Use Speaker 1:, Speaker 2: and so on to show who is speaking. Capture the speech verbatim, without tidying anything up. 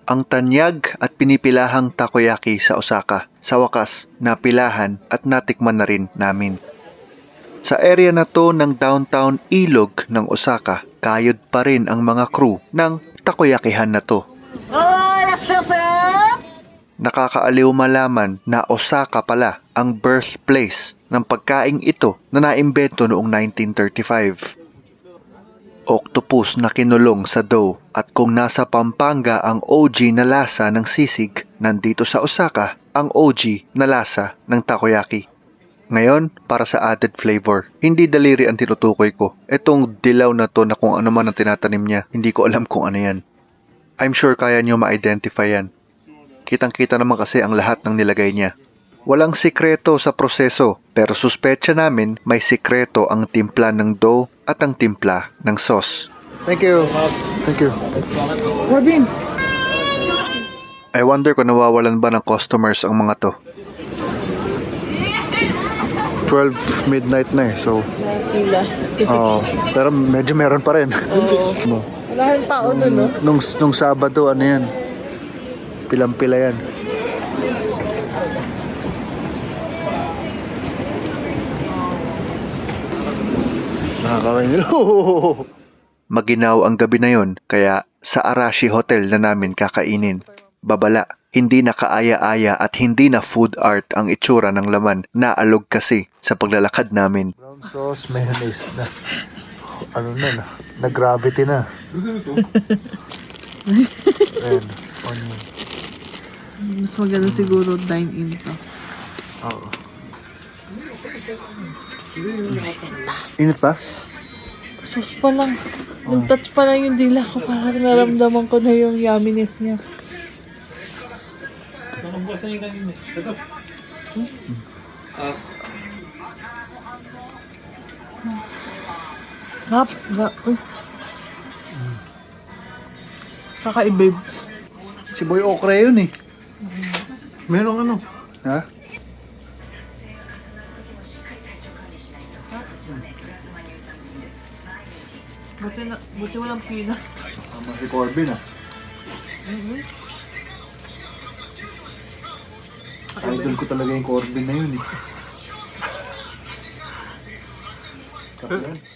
Speaker 1: Ang tanyag at pinipilahang takoyaki sa Osaka, sa wakas, napilahan at natikman na rin namin. Sa area na to ng downtown ilog ng Osaka, kayod pa rin ang mga crew ng takoyakihan na to. Nakakaaliw malaman na Osaka pala ang birthplace ng pagkaing ito na naimbento noong nineteen thirty-five. Octopus na kinulong sa dough, at kung nasa Pampanga ang O G na lasa ng sisig, nandito sa Osaka ang O G na lasa ng takoyaki. Ngayon, para sa added flavor, hindi daliri ang tinutukoy ko. Etong dilaw na to na kung ano man ang tinatanim niya, hindi ko alam kung ano yan. I'm sure kaya niyo ma-identify yan. Kitang-kita naman kasi ang lahat ng nilagay niya. Walang sikreto sa proseso, pero suspecha namin may sikreto ang timpla ng dough at ang timpla ng sauce. Thank you. Thank you.
Speaker 2: Robin!
Speaker 1: I wonder kung nawawalan ba ng customers ang mga to. twelve midnight na eh, so...
Speaker 2: Pila.
Speaker 1: Oo, pero medyo meron pa rin.
Speaker 2: Oo.
Speaker 1: No.
Speaker 2: Wala rin tao nun, no?
Speaker 1: Nung, nung Sabado, ano yan? Pilang-pila yan. Nakakawin nila. Maginaw ang gabi na yon, kaya sa Arashi Hotel na namin kakainin. Babala, hindi na kaaya-aya at hindi na food art ang itsura ng laman. Naalog kasi sa paglalakad namin. Brown sauce, mayonnaise na. Ano na na? Nag-gravity na. And, onion.
Speaker 2: Mas maganda siguro dine-in to.
Speaker 1: Oo. Init pa?
Speaker 2: Sauce pa lang. Nung touch pa lang yung dila ko, parang naramdaman ko na yung yumminess niya. Gap, gap. Uy. Kakaiba.
Speaker 1: Si Boy Okra yun eh.
Speaker 3: Merong ano?
Speaker 1: Ha?
Speaker 2: Buti, na, buti walang pila.
Speaker 1: Tama si Corbin ah. Idol ko talaga yung Corbin na yun eh. Sarap yan.